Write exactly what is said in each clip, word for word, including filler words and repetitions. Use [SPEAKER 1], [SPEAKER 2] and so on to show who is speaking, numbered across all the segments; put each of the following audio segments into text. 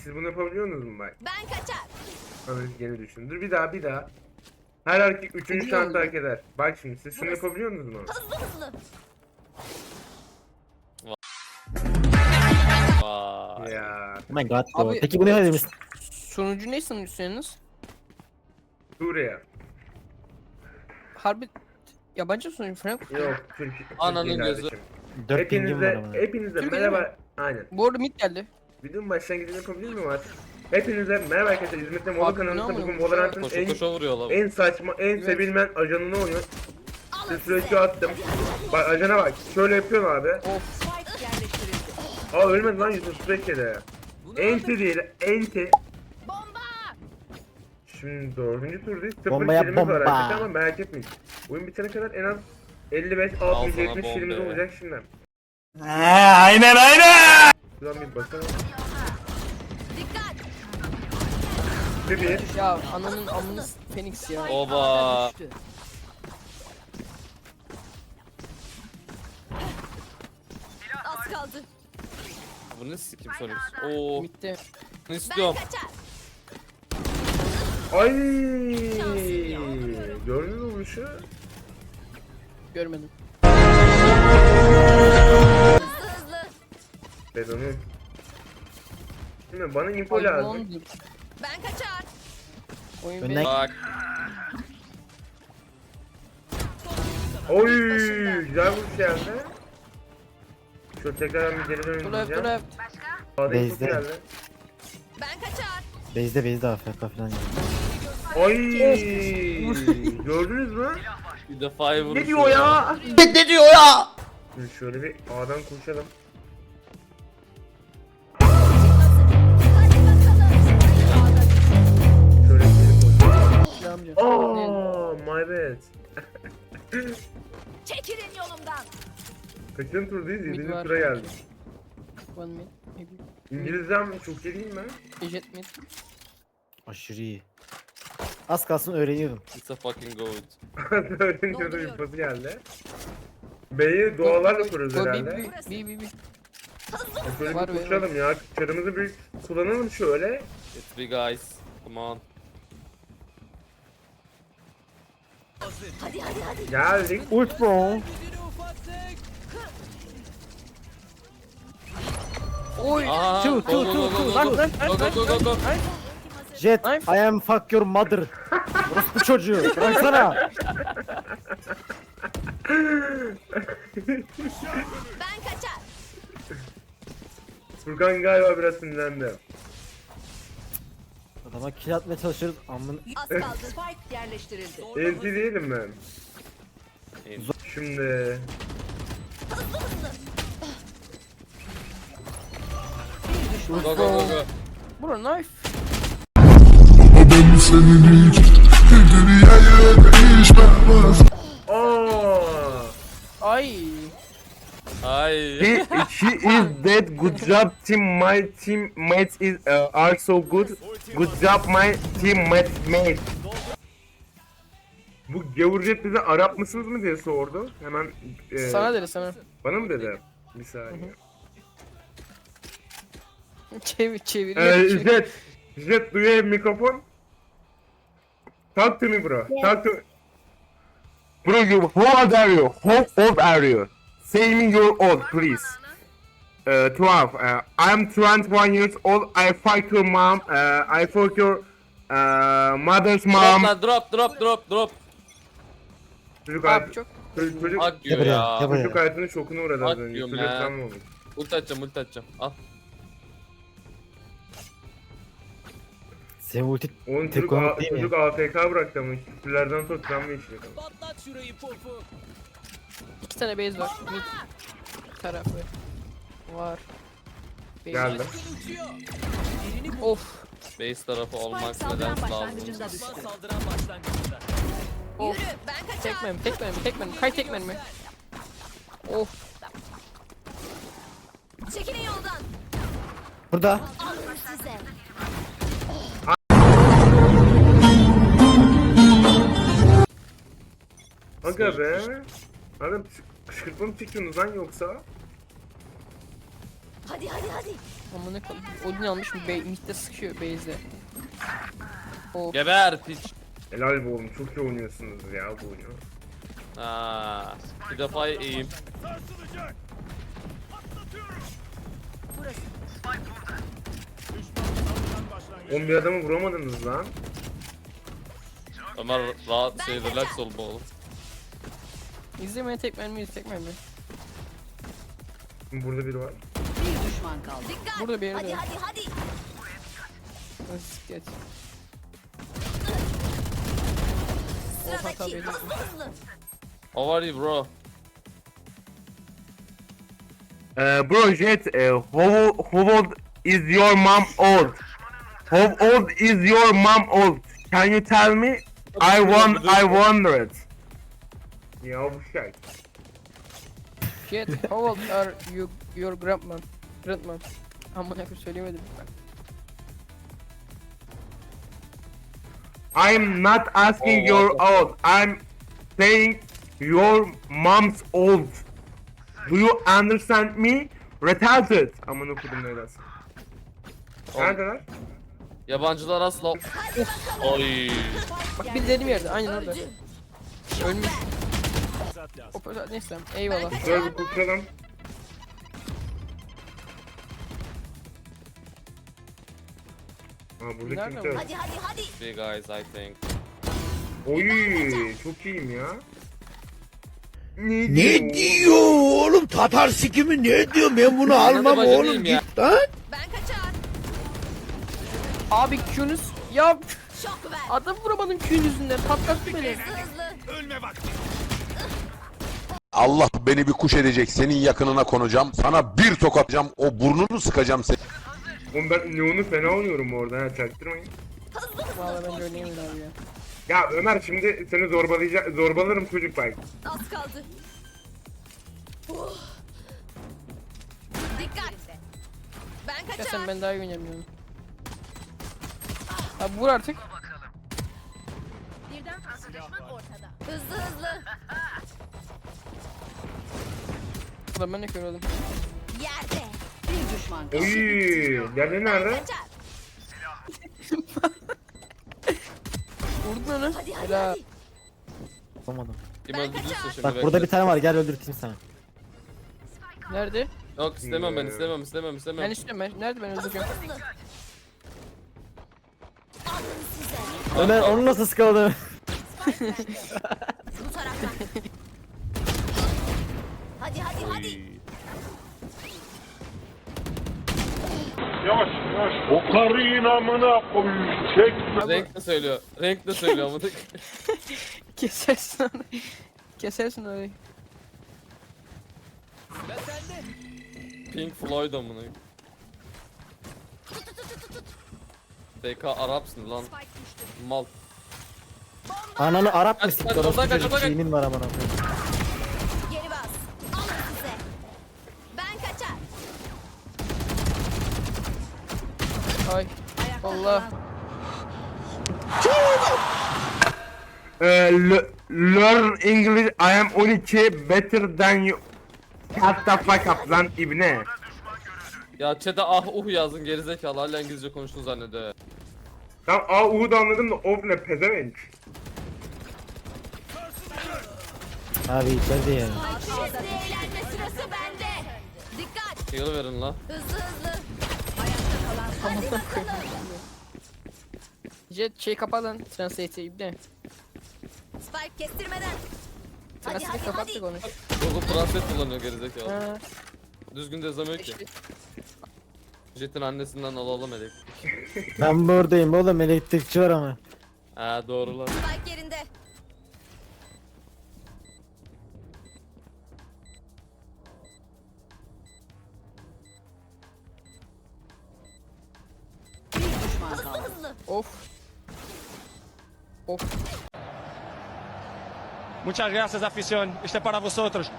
[SPEAKER 1] siz bunu yapabiliyor musunuz bak?
[SPEAKER 2] Ben kaçar.
[SPEAKER 1] Analiz geri düşün. Dur bir daha bir daha. Her erkek üçüncü
[SPEAKER 3] Biliyor
[SPEAKER 1] şans
[SPEAKER 3] musun?
[SPEAKER 1] hak eder. Bak şimdi siz şunu yapabiliyor musunuz?
[SPEAKER 2] Hızlı hızlı.
[SPEAKER 4] Vay.
[SPEAKER 1] Ya
[SPEAKER 5] Oh my god bro.
[SPEAKER 3] Abi-
[SPEAKER 5] Peki bu ne demiş?
[SPEAKER 3] Sonucu ne sanıyorsunuz?
[SPEAKER 1] Suriye.
[SPEAKER 3] Harbi yabancı sonucu Frank.
[SPEAKER 1] Yok Türkiye.
[SPEAKER 4] Ananın
[SPEAKER 1] Türkiye
[SPEAKER 4] gözü.
[SPEAKER 1] kardeşim.
[SPEAKER 5] dört pingim var
[SPEAKER 1] Hepinize,
[SPEAKER 5] ama.
[SPEAKER 1] hepinize
[SPEAKER 3] Türkiye'de
[SPEAKER 1] merhaba. Aynen.
[SPEAKER 3] Bu arada mid geldi.
[SPEAKER 1] Videonun başlangıcını yapabilir miyim artık? Hepinize merhaba arkadaşlar. İzmit'te Mola
[SPEAKER 3] Abi,
[SPEAKER 1] kanalında
[SPEAKER 3] ne
[SPEAKER 1] bugün
[SPEAKER 3] yapıyorsun?
[SPEAKER 1] Valorant'ın
[SPEAKER 4] Koşa
[SPEAKER 1] en,
[SPEAKER 4] koşa vuruyor lan.
[SPEAKER 1] en saçma, en
[SPEAKER 3] Evet.
[SPEAKER 1] sevilmeyen ajanını oynuyor.
[SPEAKER 2] Alın
[SPEAKER 1] Sürekli
[SPEAKER 2] size.
[SPEAKER 1] attım. Bak ajana bak. Şöyle yapıyorsun abi.
[SPEAKER 3] Of.
[SPEAKER 1] Aa ölmedi lan Yusuf Sürekli'de. Enti değil, enti.
[SPEAKER 2] Bomba.
[SPEAKER 1] Şimdi dördüncü turdayız. Sıfır
[SPEAKER 5] Bombaya
[SPEAKER 1] kilimiz var
[SPEAKER 5] bomba.
[SPEAKER 1] arkadaşlar ama merak etmeyin. Oyun bitene kadar en az elli beş,
[SPEAKER 4] Al
[SPEAKER 1] altmış,
[SPEAKER 4] sana
[SPEAKER 1] yetmiş kilimiz
[SPEAKER 4] bombe.
[SPEAKER 1] olacak şimdi.
[SPEAKER 5] aynen aynen.
[SPEAKER 1] Şuradan bir bakalım.
[SPEAKER 2] Dikkat.
[SPEAKER 1] Bir bir.
[SPEAKER 3] Ya ananın amını s- Phoenix ya.
[SPEAKER 4] Oba.
[SPEAKER 2] Az kaldı.
[SPEAKER 4] Bu ne sikim Sonic? Oo.
[SPEAKER 3] Mid'de.
[SPEAKER 4] Ne
[SPEAKER 2] Ben
[SPEAKER 4] istiyorum?
[SPEAKER 2] kaçar.
[SPEAKER 1] Ay! Gördünüz mü bu işi?
[SPEAKER 3] Görmedim.
[SPEAKER 2] Hızlı hızlı.
[SPEAKER 1] Bedonum. Şimdi bana info
[SPEAKER 3] Ay,
[SPEAKER 1] lazım.
[SPEAKER 3] ondur.
[SPEAKER 2] Ben kaçar.
[SPEAKER 3] Oyun
[SPEAKER 5] Önden-
[SPEAKER 3] benim.
[SPEAKER 4] Bak.
[SPEAKER 1] Oy! Güzel vuruş geldi. Şöyle tekrar bir geri
[SPEAKER 3] Dur left dur
[SPEAKER 1] döneceğim.
[SPEAKER 3] left.
[SPEAKER 1] Sağda info
[SPEAKER 5] Base'de.
[SPEAKER 1] geldi.
[SPEAKER 2] Ben kaçar.
[SPEAKER 5] Base'de base'de A F K falan.
[SPEAKER 1] Ay! Gördünüz mü?
[SPEAKER 4] Bir defa vurmuş.
[SPEAKER 1] Ne diyor ya?
[SPEAKER 5] Ne diyor ya?
[SPEAKER 1] Şimdi şöyle bir A'dan koşalım.
[SPEAKER 2] Hadi bakalım.
[SPEAKER 1] Şöyle bir koşalım.
[SPEAKER 3] Ne yapacağım?
[SPEAKER 1] Aa, my bad.
[SPEAKER 2] Çekilin yolumdan.
[SPEAKER 1] Kaçıncı turdayız?
[SPEAKER 3] Mid
[SPEAKER 1] Yedinci
[SPEAKER 3] var
[SPEAKER 1] tura
[SPEAKER 3] sanki.
[SPEAKER 1] geldik.
[SPEAKER 3] One mid. Maybe.
[SPEAKER 1] İngilizcem çok iyi değil mi?
[SPEAKER 3] Jet mid.
[SPEAKER 5] Aşırı iyi. Az kalsın öğreniyordum.
[SPEAKER 4] It's a fucking goat.
[SPEAKER 1] Öğreniyordum bir pası geldi. B'yi dualarla kuruyoruz
[SPEAKER 3] Go, go,
[SPEAKER 1] herhalde.
[SPEAKER 3] B, B, B, B, B.
[SPEAKER 1] Şöyle
[SPEAKER 3] Var
[SPEAKER 1] bir
[SPEAKER 3] be,
[SPEAKER 1] koşalım ya. Çarımızı bir kullanalım şöyle.
[SPEAKER 4] It's big guys. Come on.
[SPEAKER 2] Hadi hadi hadi.
[SPEAKER 1] Geldik.
[SPEAKER 5] Ult bro.
[SPEAKER 3] Oy.
[SPEAKER 4] Aha.
[SPEAKER 5] Two,
[SPEAKER 4] Go
[SPEAKER 5] two,
[SPEAKER 4] go
[SPEAKER 5] two,
[SPEAKER 4] go
[SPEAKER 5] two.
[SPEAKER 4] go
[SPEAKER 5] Lan,
[SPEAKER 4] go.
[SPEAKER 5] lan,
[SPEAKER 4] Go go go go go.
[SPEAKER 5] Jet,
[SPEAKER 3] Knife.
[SPEAKER 5] I am fuck your mother. Orospu çocuğu. Bıraksana.
[SPEAKER 2] Ben kaçar.
[SPEAKER 1] Furkan galiba biraz sinirlendi.
[SPEAKER 5] Adama kill atmaya çalışıyoruz. Amın.
[SPEAKER 2] Az kaldı.
[SPEAKER 6] Spike yerleştirildi.
[SPEAKER 1] Enti değilim mi?
[SPEAKER 4] Enti.
[SPEAKER 1] Şimdi...
[SPEAKER 4] Go go go go.
[SPEAKER 3] Bro knife.
[SPEAKER 1] Aa!
[SPEAKER 3] Ay.
[SPEAKER 4] Ay.
[SPEAKER 1] He, he is dead. Good job team. My teammates is uh, are so good. Good job my teammates mate. Bu gavurjet bize Arap mısınız mı diye sordu. Hemen e,
[SPEAKER 3] Sana dedi sana.
[SPEAKER 1] bana mı dedi? Bir saniye.
[SPEAKER 3] Çevir çeviriyor.
[SPEAKER 1] Ee,
[SPEAKER 3] çevir.
[SPEAKER 1] Jet, Jet do you have microphone? Talk to me bro. Talk to Bro, you, how old are you? How old are you? Say me your old, please. Uh, twelve. Uh, I'm twenty-one years old. I fuck your mom. Uh, I fuck your uh, mother's
[SPEAKER 4] Drop
[SPEAKER 1] mom.
[SPEAKER 4] lan drop drop drop drop.
[SPEAKER 1] Çocuk,
[SPEAKER 3] Abi
[SPEAKER 1] hayat,
[SPEAKER 3] çok.
[SPEAKER 1] çocuk, çocuk,
[SPEAKER 4] Hak diyor
[SPEAKER 5] Gel buraya,
[SPEAKER 4] ya.
[SPEAKER 5] gel buraya.
[SPEAKER 1] çocuk hayatının şokuna uğradı az
[SPEAKER 4] Hak
[SPEAKER 1] önce.
[SPEAKER 4] diyorum
[SPEAKER 1] Çocuk
[SPEAKER 4] ya.
[SPEAKER 1] tam oldu.
[SPEAKER 4] Ulti atacağım ulti atacağım. Al.
[SPEAKER 5] Senin ulti
[SPEAKER 1] Onun
[SPEAKER 5] tek
[SPEAKER 1] çocuk,
[SPEAKER 5] konuk
[SPEAKER 1] A-
[SPEAKER 5] değil mi?
[SPEAKER 1] çocuk A F K bıraktı ama küfürlerden sonra travma yaşıyor.
[SPEAKER 3] İki tane base var. Mid tarafı. Var. Base.
[SPEAKER 1] Geldi.
[SPEAKER 3] Of.
[SPEAKER 4] Base tarafı olmak neden
[SPEAKER 6] Saldıran
[SPEAKER 4] lazım?
[SPEAKER 6] başlangıcında düştü.
[SPEAKER 3] Of.
[SPEAKER 2] Yürü. Ben kaçar.
[SPEAKER 3] Tek mermi, tek mermi, tek mermi. Kay tek mermi. Of.
[SPEAKER 2] Çekilin yoldan.
[SPEAKER 5] burada.
[SPEAKER 2] Alın size.
[SPEAKER 1] Aga be. Aga kışkırtma mı çekiyorsunuz lan yoksa?
[SPEAKER 2] Hadi hadi hadi.
[SPEAKER 3] Amına koyayım. Odin almış mı? Mid'de sıkıyor base'de. O
[SPEAKER 4] Geber piç.
[SPEAKER 1] Helal be oğlum, çok iyi oynuyorsunuz ya bu oyunu.
[SPEAKER 4] Aa, bir defa iyiyim.
[SPEAKER 1] Oğlum bir adamı vuramadınız lan.
[SPEAKER 4] Ömer rahat şey relax ol bu oğlum.
[SPEAKER 3] izlemeye tek mermi tek mermi.
[SPEAKER 1] Burada biri var.
[SPEAKER 6] Bir düşman kaldı.
[SPEAKER 2] Dikkat.
[SPEAKER 3] Burada bir yerde
[SPEAKER 2] Hadi
[SPEAKER 3] var.
[SPEAKER 2] hadi hadi.
[SPEAKER 3] Siktir et.
[SPEAKER 2] Sıradaki
[SPEAKER 3] tabii.
[SPEAKER 2] hızlı hızlı.
[SPEAKER 4] How are you bro?
[SPEAKER 1] Uh, bro Jet, uh, how, how old is your mom old? How old is your mom old? Can you tell me? I want, I wondered. Ya bu şey.
[SPEAKER 3] Jet, how old are you, your grandma? Grandma. Amına koyayım söyleyemedim ben.
[SPEAKER 1] I'm not asking your old. I'm saying your mom's old. Do you understand me? Retarded. Aman okudum neredeyse. Neredeler?
[SPEAKER 4] Yabancılar asla... Oy.
[SPEAKER 3] Bak bir dediğim yerde aynen orada.
[SPEAKER 2] Öldü.
[SPEAKER 3] Ölmüş. Hop neyse eyvallah.
[SPEAKER 1] Şöyle bir kurtaralım. Aa burada
[SPEAKER 3] Nerede
[SPEAKER 1] kimse yok.
[SPEAKER 2] Hadi hadi hadi.
[SPEAKER 4] Big guys I think.
[SPEAKER 1] Oy çok iyiyim ya. Ne,
[SPEAKER 7] Ne diyor oğlum? Tatar sikimi ne diyor? Ben bunu almam
[SPEAKER 4] bacı
[SPEAKER 7] oğlum
[SPEAKER 4] değilim ya.
[SPEAKER 7] git lan.
[SPEAKER 2] Ben kaçar.
[SPEAKER 3] Abi Q'nuz ya
[SPEAKER 2] Şok ver.
[SPEAKER 3] adam vuramadım Q'nun yüzünden patlattı beni.
[SPEAKER 2] Hızlı hızlı.
[SPEAKER 8] Allah beni bir kuş edecek, senin yakınına konacağım. Sana bir tokatacağım, o burnunu sıkacağım seni.
[SPEAKER 1] Oğlum ben Neon'u fena oynuyorum orada ha, çaktırmayın.
[SPEAKER 3] Valla bence oynayayım abi ya.
[SPEAKER 1] Ya Ömer şimdi seni zorbalayacak, zorbalarım çocuk bak.
[SPEAKER 2] Az kaldı. Oh. Dikkat. Ben
[SPEAKER 3] Ya
[SPEAKER 2] kaçar.
[SPEAKER 3] sen ben daha iyi oynayamıyorum. Abi vur artık.
[SPEAKER 2] Birden fazla düşman ortada. Hızlı hızlı.
[SPEAKER 3] Ulan ben ne kör oldum.
[SPEAKER 2] Yerde.
[SPEAKER 6] Bir düşman kaldı.
[SPEAKER 1] Oy, diğerleri nerede?
[SPEAKER 2] Kaçar.
[SPEAKER 3] Vurdun onu.
[SPEAKER 2] Hadi hadi
[SPEAKER 3] Helal.
[SPEAKER 2] hadi.
[SPEAKER 5] Olmadım.
[SPEAKER 4] Kim
[SPEAKER 2] Ben
[SPEAKER 4] öldürdüyse
[SPEAKER 2] kaçar.
[SPEAKER 4] şimdi
[SPEAKER 5] Bak
[SPEAKER 4] bekle.
[SPEAKER 5] burada bir tane var, gel öldürteyim sana.
[SPEAKER 3] Nerede?
[SPEAKER 4] Yok istemem ben istemem istemem istemem.
[SPEAKER 3] Ben istiyorum ben. Nerede ben
[SPEAKER 2] Hızlı
[SPEAKER 3] öldüreceğim.
[SPEAKER 2] hızlı. Alın size.
[SPEAKER 5] Ömer onu nasıl sıkaladı?
[SPEAKER 2] Bu taraftan. Hadi hadi hadi.
[SPEAKER 9] O karıyın amına koyayım. Çek.
[SPEAKER 4] Renk de söylüyor. Renk de söylüyor ama.
[SPEAKER 3] Kesersin onu. Kesersin orayı.
[SPEAKER 4] Pink Floyd amına. B K Arapsın lan. Mal.
[SPEAKER 5] Ananı Arap mı
[SPEAKER 4] Kaç,
[SPEAKER 5] sikti
[SPEAKER 4] kaç,
[SPEAKER 5] orası
[SPEAKER 4] kaç, kaç,
[SPEAKER 5] çocuk
[SPEAKER 4] kaç.
[SPEAKER 5] şeyimin var amına koyayım.
[SPEAKER 2] Geri bas. Alın size. Ben kaçar.
[SPEAKER 3] Ay. Allah.
[SPEAKER 1] Ee, le- learn English, I am on iki better than you. Shut the fuck up lan ibne.
[SPEAKER 4] Ya chat'e ah uh yazın gerizekalı hala İngilizce konuştuğunu zannediyor.
[SPEAKER 1] Tamam A U'yu da anladım da of ne pezevenk.
[SPEAKER 5] Abi içeride yani.
[SPEAKER 2] Şimdi eğlenme sırası bende. Dikkat.
[SPEAKER 4] Heal verin la.
[SPEAKER 2] Hızlı hızlı.
[SPEAKER 3] Hadi bakalım. Jet şey kapa lan. Translate'i ibne.
[SPEAKER 2] Spike kestirmeden. Hadi
[SPEAKER 3] Translate'i
[SPEAKER 2] hadi
[SPEAKER 3] kapattık
[SPEAKER 2] hadi.
[SPEAKER 3] onu.
[SPEAKER 4] Google Translate kullanıyor gerizekalı.
[SPEAKER 3] Ha.
[SPEAKER 4] Düzgün de yazamıyor ki. Jet'in annesinden alalım elektrik.
[SPEAKER 5] Ben buradayım oğlum, elektrikçi var ama.
[SPEAKER 4] Ha doğru lan.
[SPEAKER 2] Spike yerinde.
[SPEAKER 6] Bir düşman
[SPEAKER 2] Hızlı
[SPEAKER 6] kaldı.
[SPEAKER 2] hızlı.
[SPEAKER 3] Of. Of.
[SPEAKER 10] Muchas gracias, afición. Este es para vosotros.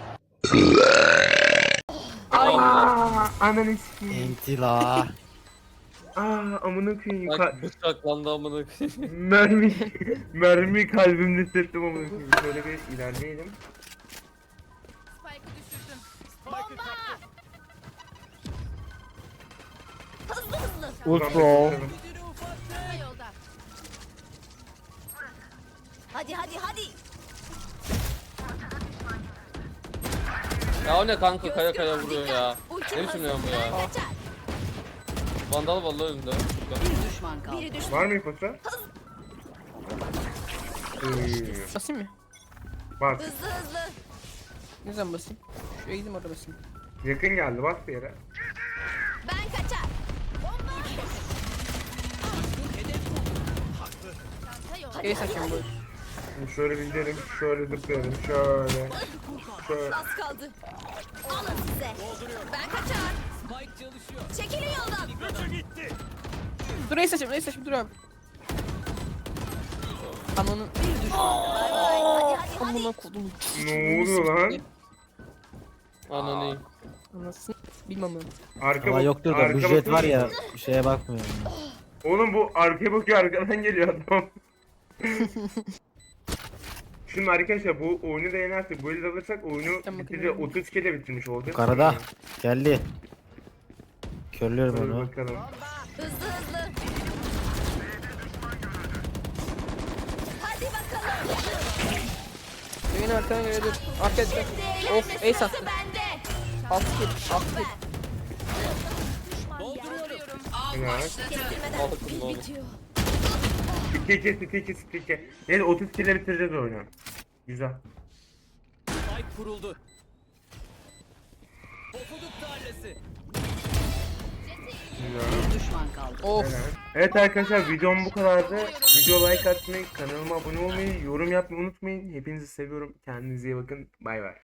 [SPEAKER 1] Aa, ananı sikeyim.
[SPEAKER 5] Entila.
[SPEAKER 1] Aa, amına koyayım. Ka-
[SPEAKER 4] Bak bıçaklandı amına koyayım.
[SPEAKER 1] mermi, mermi kalbimde hissettim amına koyayım. Şöyle bir ilerleyelim.
[SPEAKER 2] Spike'ı düşürdüm. Bomba.
[SPEAKER 5] Ult bro.
[SPEAKER 2] Kısa yolda. Hadi hadi hadi.
[SPEAKER 4] Ya o ne kanka kaya kaya vuruyor ya.
[SPEAKER 2] Ultim
[SPEAKER 4] Ne biçim
[SPEAKER 2] hazır.
[SPEAKER 4] ya bu ya?
[SPEAKER 2] Ben kaçar.
[SPEAKER 4] Vandal vallahi önünde.
[SPEAKER 6] Bir düşman kaldı.
[SPEAKER 2] Biri düştü.
[SPEAKER 1] Var mı ipucu? Ee,
[SPEAKER 3] Basayım mı?
[SPEAKER 1] bak
[SPEAKER 2] Hızlı hızlı.
[SPEAKER 3] Ne zaman basayım? Şuraya gideyim orada basayım.
[SPEAKER 1] yakın geldi bak bir yere.
[SPEAKER 2] Ben kaçar. Bomba. Çanta yolda.
[SPEAKER 3] Şey saçayım bu.
[SPEAKER 1] Şimdi şöyle bindirelim, şöyle zıplayalım, şöyle. Şöyle.
[SPEAKER 2] Az kaldı. Alın size. Ben kaçar. Çekilin yoldan.
[SPEAKER 3] Dur neyse saçayım neyse saçayım dur abi. Ananın
[SPEAKER 6] Bir düşman kaldı.
[SPEAKER 2] Bay bay. Hadi hadi hadi.
[SPEAKER 3] amına kodum.
[SPEAKER 1] Ne oluyor lan?
[SPEAKER 4] Ananı.
[SPEAKER 3] Anasını bilmem ben.
[SPEAKER 1] Arka
[SPEAKER 5] Ama
[SPEAKER 1] bak-
[SPEAKER 5] yoktur da
[SPEAKER 1] arka
[SPEAKER 5] bu jet
[SPEAKER 1] bakıyor
[SPEAKER 5] var ya
[SPEAKER 1] musun?
[SPEAKER 5] şeye bakmıyorum. ya.
[SPEAKER 1] Oğlum bu arkaya bakıyor arkadan geliyor adam. Şimdi arkadaşlar bu oyunu da yenersek, bu eli de alırsak oyunu
[SPEAKER 3] Tamam,
[SPEAKER 1] bitireceğiz.
[SPEAKER 3] bakayım.
[SPEAKER 1] otuz kere bitirmiş olacağız.
[SPEAKER 5] Karada geldi. Körlüyorum
[SPEAKER 1] Hadi
[SPEAKER 5] onu.
[SPEAKER 1] bakalım.
[SPEAKER 2] Hızlı hızlı. Hadi bakalım.
[SPEAKER 3] Yayın arkadan gelebilir. Arkaya dikkat.
[SPEAKER 2] Şimdi
[SPEAKER 3] Of
[SPEAKER 2] eğlenme
[SPEAKER 3] ace
[SPEAKER 2] sırası
[SPEAKER 3] attı.
[SPEAKER 2] bende.
[SPEAKER 3] Altı kill. Altı kill.
[SPEAKER 2] Dolduruyorum.
[SPEAKER 1] Evet.
[SPEAKER 2] Kestirmeden.
[SPEAKER 4] Aldık bunu
[SPEAKER 2] Pil
[SPEAKER 4] oğlum.
[SPEAKER 2] bitiyor.
[SPEAKER 1] iki iki iki iki iki iki. Neyse otuz kere bitireceğiz oyunu. Güzel. Güzel.
[SPEAKER 6] Bir düşman kaldı.
[SPEAKER 3] Of.
[SPEAKER 1] Evet arkadaşlar videom bu kadardı. Video like atmayı, kanalıma abone olmayı, yorum yapmayı unutmayın. Hepinizi seviyorum. Kendinize iyi bakın. Bay bay.